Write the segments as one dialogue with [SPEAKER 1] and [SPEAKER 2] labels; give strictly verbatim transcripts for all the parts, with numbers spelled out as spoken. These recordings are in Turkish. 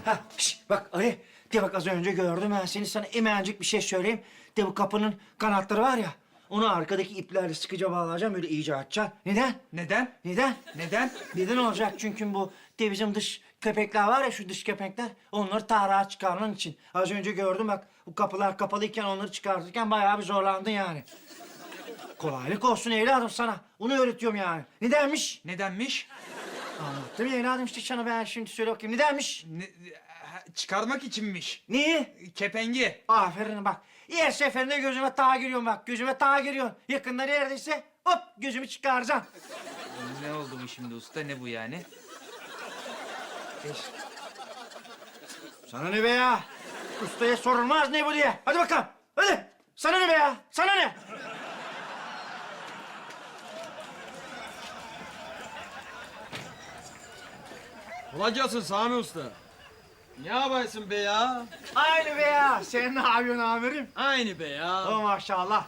[SPEAKER 1] Ha, şş, bak Ali, de bak az önce gördüm ben seni. Sana hemencik bir şey söyleyeyim. De bu kapının kanatları var ya, onu arkadaki iplerle sıkıca bağlayacağım, böyle iyice açacaksın. Neden?
[SPEAKER 2] Neden?
[SPEAKER 1] Neden?
[SPEAKER 2] Neden?
[SPEAKER 1] Neden olacak? Çünkü bu de bizim dış köpekler var ya, şu dış köpekler, onları tahrağa çıkarman için. Az önce gördüm bak, bu kapılar kapalıyken onları çıkartırken bayağı bir zorlandın yani. Kolaylık olsun evladım sana. Onu öğretiyorum yani. Nedenmiş?
[SPEAKER 2] Nedenmiş?
[SPEAKER 1] Anlattım ya evladım işte sana, ben şimdi söyle bakayım. Nedenmiş?
[SPEAKER 2] Ne, ha, çıkarmak içinmiş.
[SPEAKER 1] Neyi?
[SPEAKER 2] Kepengi.
[SPEAKER 1] Aferin bak. Her seferinde gözüme tağa giriyorsun bak. Gözüme tağa giriyorsun. Yakında neredeyse hop gözümü çıkaracağım.
[SPEAKER 2] Ne oldu bu şimdi usta? Ne bu yani?
[SPEAKER 1] Sana ne be ya? Ustaya sorulmaz ne bu diye. Hadi bakalım. Hadi. Sana ne be ya? Sana ne?
[SPEAKER 3] Kolay gelsin Sami Usta. Ne yapıyorsun be ya?
[SPEAKER 1] Aynı be ya. Sen ne yapıyorsun amirim?
[SPEAKER 3] Aynı be ya.
[SPEAKER 1] Oh maşallah.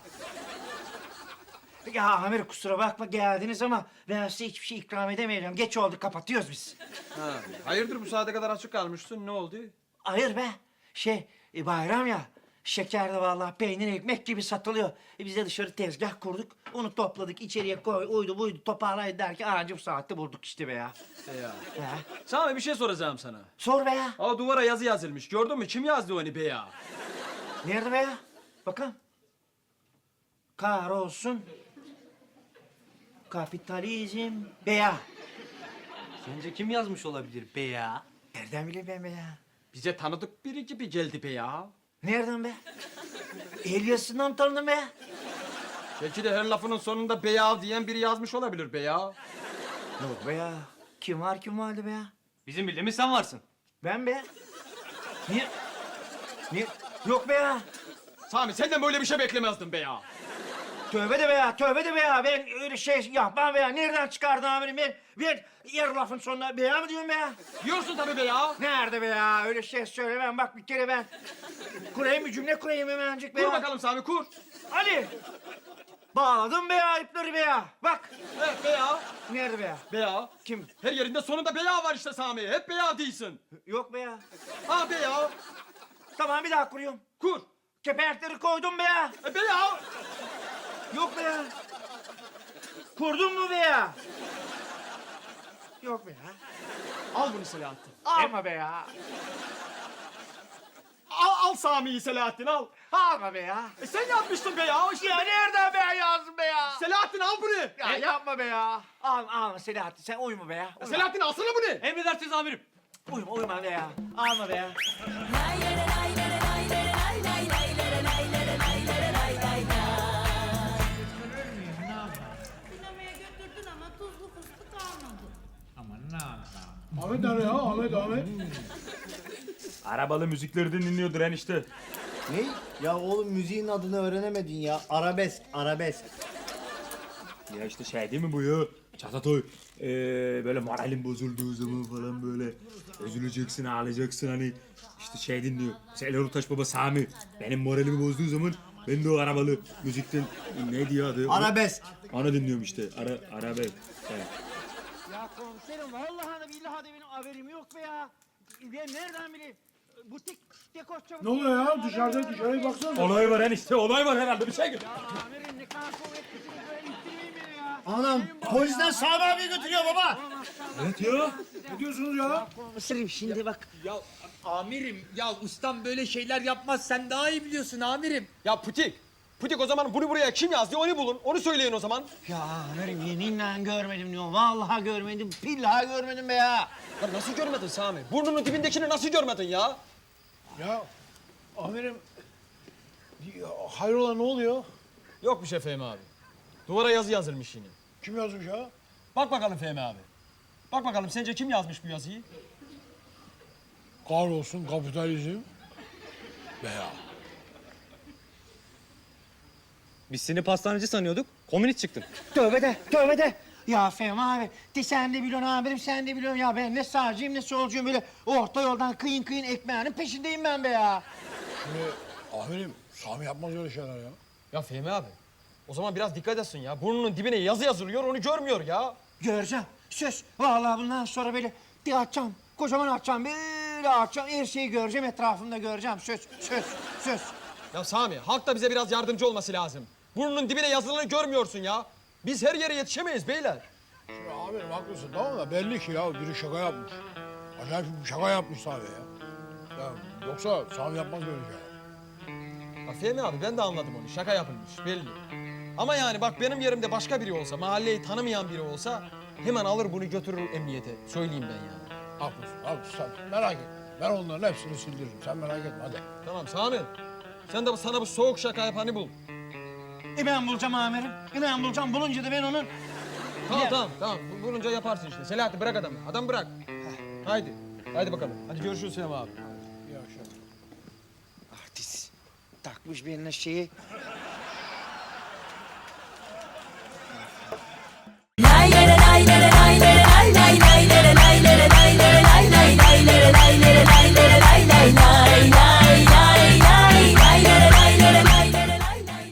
[SPEAKER 1] Ya amirim kusura bakma geldiniz ama ben size hiçbir şey ikram edemeyeceğim. Geç oldu, kapatıyoruz biz.
[SPEAKER 3] Ha, hayırdır bu saate kadar açık kalmışsın? Ne oldu?
[SPEAKER 1] Hayır be. Şey e, bayram ya. Şeker de vallahi peynir ekmek gibi satılıyor. E, biz de dışarı tezgah kurduk. Onu topladık, içeriye koy, uydu buydu toparlayın derken anca bu saatte bulduk işte be ya.
[SPEAKER 3] Be ya.
[SPEAKER 1] He.
[SPEAKER 3] Sami bir şey soracağım sana.
[SPEAKER 1] Sor be ya.
[SPEAKER 3] O duvara yazı yazılmış. Gördün mü? Kim yazdı onu be ya?
[SPEAKER 1] Nerede be ya? Bakalım. Kahrolsun. Kapitalizm be ya.
[SPEAKER 4] Sence kim yazmış olabilir be ya?
[SPEAKER 1] Nereden bileyim ben be ya?
[SPEAKER 3] Bize tanıdık biri gibi geldi be ya.
[SPEAKER 1] Nereden be? El yazısından tanıdım be ya.
[SPEAKER 3] Belki de her lafının sonunda be ya diyen biri yazmış olabilir be ya.
[SPEAKER 1] Yok be ya. Kim var kim vardı be ya?
[SPEAKER 4] Bizim bildiğimiz sen varsın.
[SPEAKER 1] Ben be. Niye? Niye? Yok be ya.
[SPEAKER 3] Sami senden böyle bir şey beklemezdim be ya.
[SPEAKER 1] Tövbe de be ya, tövbe de be ya. Ben öyle şey yapmam be ya. Nereden çıkardın amirim ben? Ben yer lafın sonuna be ya mı diyorum be ya?
[SPEAKER 3] Diyorsun tabii be ya.
[SPEAKER 1] Nerede be ya? Öyle şey söylemem. Bak bir kere ben kurayım bir cümle kurayım hemencik be
[SPEAKER 3] Kur
[SPEAKER 1] ya.
[SPEAKER 3] bakalım Sami kur.
[SPEAKER 1] Hadi. Bağladım be ya ipleri be ya. Bak.
[SPEAKER 3] Evet be ya.
[SPEAKER 1] Nerede be ya?
[SPEAKER 3] Be ya.
[SPEAKER 1] Kim?
[SPEAKER 3] Her yerinde sonunda be ya var işte Sami. Hep be ya değilsin.
[SPEAKER 1] Yok be ya.
[SPEAKER 3] Ha be ya.
[SPEAKER 1] Tamam bir daha kuruyorum.
[SPEAKER 3] Kur.
[SPEAKER 1] Kepenekleri koydum be ya.
[SPEAKER 3] E be ya.
[SPEAKER 1] Yok be ya. Kurdun mu be ya? Yok be ya.
[SPEAKER 3] Al bunu Selahattin.
[SPEAKER 1] Alma be ya.
[SPEAKER 3] Al, al Sami'yi Selahattin al.
[SPEAKER 1] Alma be ya.
[SPEAKER 3] E sen yapmıştın be ya. İşte
[SPEAKER 1] Ya nereden be ya yazdın be ya?
[SPEAKER 3] Selahattin al bunu.
[SPEAKER 1] Ya yapma be ya. Al, alma Selahattin sen uyuma be ya. Uyuma.
[SPEAKER 3] Selahattin alsana bunu.
[SPEAKER 4] Emredersiniz amirim.
[SPEAKER 1] Uyuma uyuma be ya. Alma be ya.
[SPEAKER 5] Sinemaya götürdün ama tuzlu fıstık almadın.
[SPEAKER 6] Ahmet abi ya, Ahmet, Ahmet.
[SPEAKER 7] Arabalı müzikleri dinliyordur enişte.
[SPEAKER 8] Ne? Ya oğlum müziğin adını öğrenemedin ya. Arabesk, arabesk.
[SPEAKER 7] Ya işte şey değil mi bu ya? Çatatoy. Ee, böyle moralin bozulduğu zaman falan böyle üzüleceksin, ağlayacaksın hani. İşte şey dinliyor. Mesela Erol Taş Baba Sami. Benim moralimi bozduğu zaman ben de o arabalı müzikten ne diyor adı?
[SPEAKER 8] Arabesk.
[SPEAKER 7] Onu dinliyorum işte. Ara, arabesk. Evet.
[SPEAKER 1] Ya komiserim vallahi de billahi de benim haberim yok be ya. Ben nereden bileyim? Butik dekoşça...
[SPEAKER 6] Ne oluyor ya? Dışarıda dışarıya baksana.
[SPEAKER 7] Olay var enişte, olay var herhalde bir şey gör.
[SPEAKER 1] Ya amirim ne kadar kuvvetlisiniz böyle ittirmeyin beni ya.
[SPEAKER 8] Anam polisler Sami abi götürüyor baba.
[SPEAKER 7] Evet ya.
[SPEAKER 6] Ne diyorsunuz ya?
[SPEAKER 1] Komiserim şimdi bak.
[SPEAKER 2] Ya amirim, ya ustam böyle şeyler yapmaz. Sen daha iyi biliyorsun amirim.
[SPEAKER 3] Ya Putik. Putik o zaman bunu buraya kim yazdı onu bulun. Onu söyleyin o zaman.
[SPEAKER 1] Ya amirim yeminle görmedim diyor. Vallahi görmedim. Billahi görmedim be ya.
[SPEAKER 3] Ya nasıl görmedin Sami? Burnunun dibindekini nasıl görmedin ya?
[SPEAKER 6] Ya amirim, ya, hayrola ne oluyor?
[SPEAKER 3] Yok bir şey Fehmi abi. Duvara yazı yazılmış yine.
[SPEAKER 6] Kim yazmış ya?
[SPEAKER 3] Bak bakalım Fehmi abi. Bak bakalım sence kim yazmış bu yazıyı?
[SPEAKER 6] Kahrolsun kapitalizm. Be ya.
[SPEAKER 4] Biz seni pastaneci sanıyorduk. Komünist çıktın.
[SPEAKER 1] Tövbe de, tövbe de. Ya Fehmi abi, de sen de biliyorsun amirim, sen de biliyorsun ya. Ben ne sağcıyım ne solcuyum, böyle orta yoldan kıyın kıyın ekmeğinin peşindeyim ben be ya.
[SPEAKER 6] Şimdi amirim, Sami yapmaz öyle şeyler ya.
[SPEAKER 3] Ya Fehmi abi. O zaman biraz dikkat etsin ya. Burnunun dibine yazı yazılıyor onu görmüyor ya.
[SPEAKER 1] Göreceğim, söz. Vallahi bundan sonra böyle de açacağım, kocaman açacağım. böyle akşam her şeyi göreceğim, etrafımda göreceğim. Söz, söz, söz.
[SPEAKER 3] Ya Sami, halk da bize biraz yardımcı olması lazım. Burnunun dibine yazılanı görmüyorsun ya. Biz her yere yetişemeyiz beyler.
[SPEAKER 6] Ya amirim haklısın tamam da belli ki ya biri şaka yapmış. Acayip bir şaka yapmış Sami ya. Ya yoksa Sami yapmaz böyle şeyler.
[SPEAKER 3] Ya Fehmi abi ben de anladım onu. Şaka yapılmış belli. Ama yani bak benim yerimde başka biri olsa, mahalleyi tanımayan biri olsa hemen alır bunu götürür emniyete. Söyleyeyim ben yani.
[SPEAKER 6] Haklısın, haklısın sen merak etme. Ben onların hepsini sildiririm. Sen merak etme hadi.
[SPEAKER 3] Tamam Sami. Sen de bu- sana bu soğuk şaka yapanı bul.
[SPEAKER 1] E ben bulacağım amirim. E ben bulacağım. Bulunca da ben onun...
[SPEAKER 3] Tamam
[SPEAKER 1] Ya.
[SPEAKER 3] tamam tamam. Bu- Bulunca yaparsın işte. Selahattin bırak adamı. Adam bırak. Haydi. Haydi bakalım. Hadi görüşürüz Fehmi abi.
[SPEAKER 6] İyi akşamlar.
[SPEAKER 1] Artist. Takmış birine şeyi.